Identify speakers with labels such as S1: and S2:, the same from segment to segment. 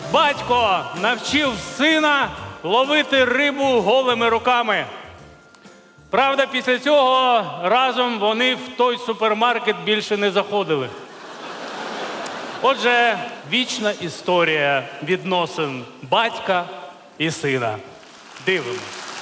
S1: Батько навчив сина ловити рибу голими руками. Правда, після цього разом вони в той супермаркет більше не заходили. Отже, вічна історія відносин батька і сина. Дивимось.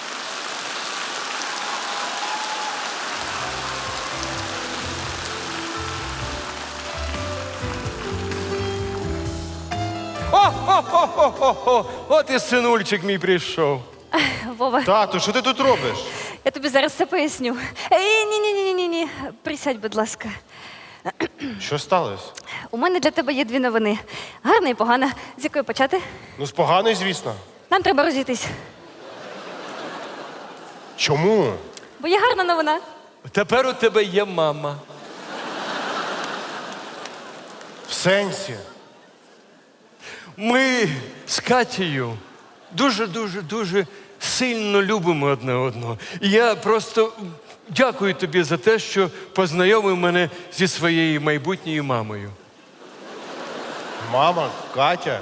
S2: О-хо-хо-хо-хо! От і синульчик мій прийшов.
S3: Вова,
S4: Тату, що ти тут робиш?
S3: я тобі зараз все поясню. Ні. Присядь, будь ласка.
S4: Що сталося?
S3: У мене для тебе є дві новини. Гарна і погана. З якої почати?
S4: Ну, з поганої, звісно.
S3: Нам треба розійтись.
S4: Чому?
S3: Бо є гарна новина.
S2: Тепер у тебе є мама.
S4: В сенсі?
S2: Ми з Катєю дуже сильно любимо одне одного. І я просто дякую тобі за те, що познайомив мене зі своєю майбутньою мамою.
S4: Мама, Катя,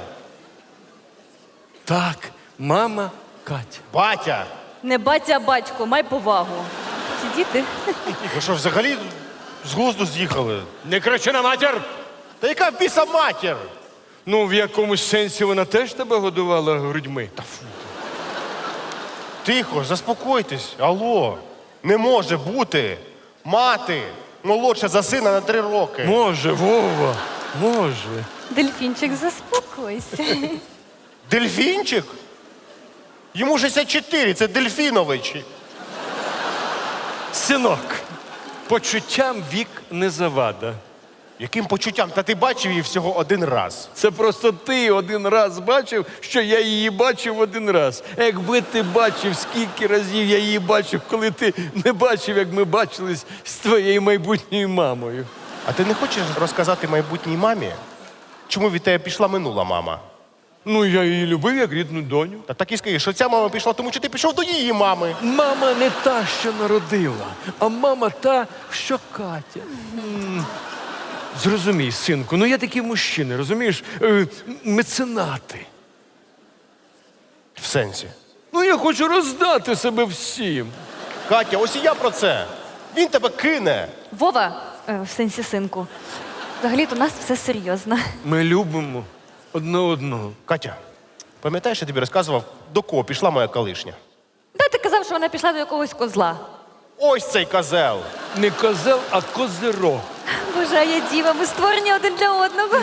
S2: Так, мама Катя.
S4: батя.
S3: Не батя, а батько, май повагу. Ці діти.
S4: Ви що, взагалі з глузду з'їхали?
S2: Не кричи на матір!
S4: Та яка в біса матір?
S2: Ну, в якомусь сенсі вона теж тебе годувала грудьми.
S4: Тихо, заспокойтесь. Алло. Не може бути мати молодша за сина на 3 роки.
S2: Може, Вова, може.
S3: Дельфінчик, заспокойся.
S4: Дельфінчик? Йому 64, це Дельфінович.
S2: Синок, почуттям вік не завада.
S4: Яким почуттям? Та ти бачив її всього 1 раз.
S2: Це просто ти один раз бачив, що я її бачив один раз. А якби ти бачив, скільки разів я її бачив, коли ти не бачив, як ми бачились з твоєю майбутньою мамою.
S4: А ти не хочеш розказати майбутній мамі, чому від тебе пішла минула мама?
S2: Ну, я її любив як рідну доню.
S4: Та так і скажи, що ця мама пішла, тому що ти пішов до її мами.
S2: Мама не та, що народила, а мама та, що Катя. Зрозумій, синку, ну є такі мужчини, розумієш, меценати.
S4: В сенсі.
S2: Ну я хочу роздати себе всім.
S4: Катя, ось і я про це. Він тебе кине.
S3: Вова, в сенсі синку. Взагалі-то у нас все серйозно.
S2: Ми любимо одне одного.
S4: Катя, пам'ятаєш, я тобі розказував, до кого пішла моя колишня?
S3: Де ти казав, що вона пішла до якогось козла?
S4: Ось цей козел.
S2: Не козел, а козиро.
S3: Боже, а я діва, ми створені один для одного.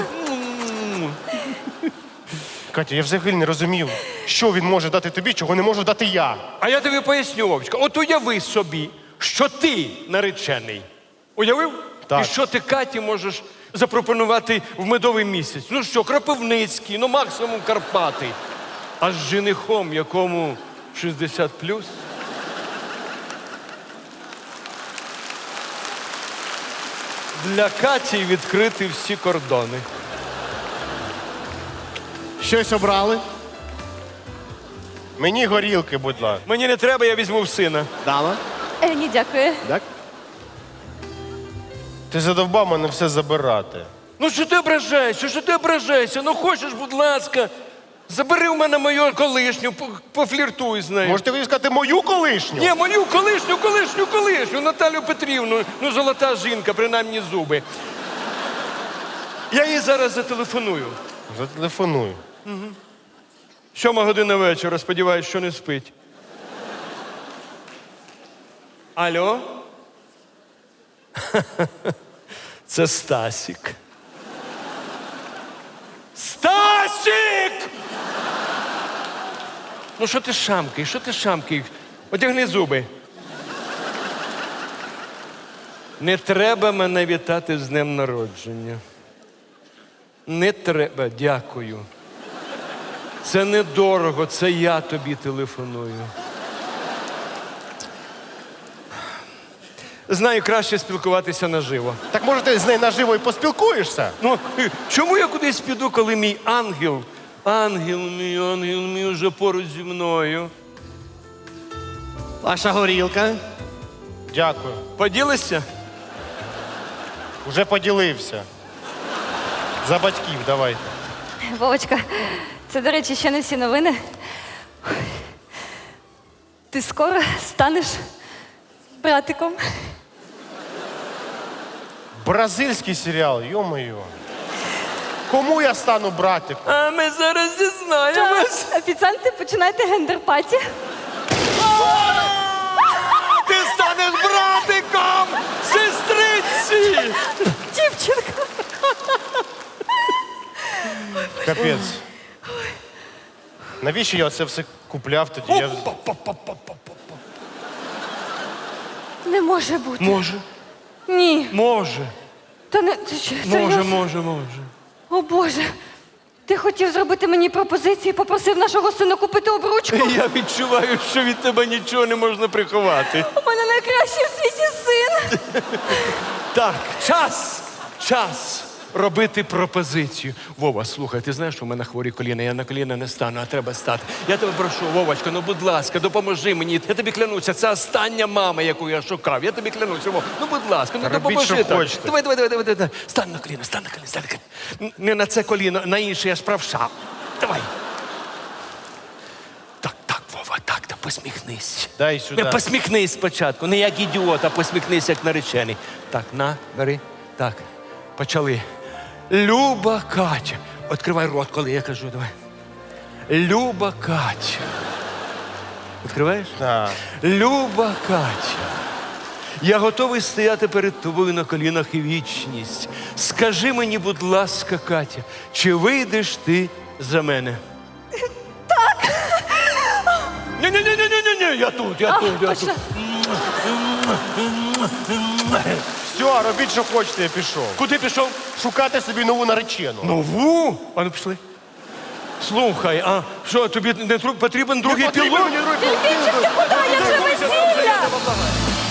S4: Катя, я взагалі не розумів, що він може дати тобі, чого не можу дати я.
S2: А я тобі поясню, Вовчка. От уяви собі, що ти наречений. Уявив?
S4: Так.
S2: І що ти Каті можеш запропонувати в медовий місяць? Ну що, Кропивницький, ну максимум Карпати. А з женихом, якому 60+. Для Каті відкриті всі кордони.
S4: Щось обрали? Мені горілки, будь ласка.
S2: Мені не треба, я візьму в сина.
S4: Дала?
S3: Ні, дякую.
S4: Так? Ти задовбав мене все забирати.
S2: Ну що ти ображаєшся? Що ти ображаєшся? Ну хочеш, будь ласка, забери у мене мою колишню, пофліртуй з нею.
S4: Можете ви сказати мою колишню?
S2: Ні, мою колишню, Наталю Петрівну. Ну, золота жінка, принаймні зуби. Я їй зараз зателефоную.
S4: Зателефоную.
S2: 7:00 вечора, сподіваюсь, що не спить. Алло? Це Стасік. Стасік! Ну що ти шамкаєш? Одягни зуби. Не треба мене вітати з днем народження. Не треба, дякую. Це недорого, це я тобі телефоную. Знаю, краще спілкуватися наживо.
S4: Так може ти з нею наживо і поспілкуєшся?
S2: Ну, чому я кудись піду, коли мій ангел мій уже поруч зі мною?
S5: Ваша горілка.
S4: Дякую.
S2: Поділися?
S4: Уже поділився. За батьків давайте.
S3: Вовочка, Це, до речі, ще не всі новини. Ти скоро станеш братиком.
S4: Бразильський серіал, йо-моє. Кому я стану братиком?
S2: А ми зараз дізнаємось.
S3: Офіціанти, починайте гендер-паті.
S2: Ти станеш братиком сестриці!
S3: Дівчинка.
S4: Капець. Навіщо я це все купляв тоді?
S3: Не може бути.
S2: Може,
S3: Ні.
S2: може,
S3: Та не ти що, серйозно?
S2: може.
S3: О Боже. Ти хотів зробити мені пропозицію і попросив нашого сина купити обручку?
S2: Я відчуваю, що від тебе нічого не можна приховати.
S3: У мене найкращий в світі син.
S2: Так, час робити пропозицію. Вова, слухай, ти знаєш, що в мене хворі коліна, я на коліна не стану, а треба стати. Я тебе прошу, Вовочка, ну будь ласка, допоможи мені. Я тобі клянуся, це остання мама, яку я шукав. Я тобі клянуся, Вов. Ну будь ласка, ну
S4: Робіть,
S2: допоможи.
S4: що
S2: так.
S4: хочете.
S2: Давай. Стань на коліна. Не на це коліно, на інше я ж правша. Давай. Так, Вова, так, та посміхнись.
S4: Дай сюди.
S2: Не посміхнись спочатку, не як ідіот, а посміхнись як наречений. Так, на, бери. Так, почали. Люба Катя. Відкривай рот, коли я кажу, давай. Люба Катя. Відкриваєш?
S4: Так.
S2: Люба Катя. Я готовий стояти перед тобою на колінах і вічність. Скажи мені, будь ласка, Катя, чи вийдеш ти за мене? Так. Ні, я тут.
S3: Точно.
S4: Все, робіть, що хочете, я пішов.
S2: Куди пішов?
S4: Шукати собі нову наречену.
S2: Нову? А ну пішли. Слухай, а що, тобі не потрібен другий пілот?
S3: Дельфінчик, ти куди? Я вже весілля!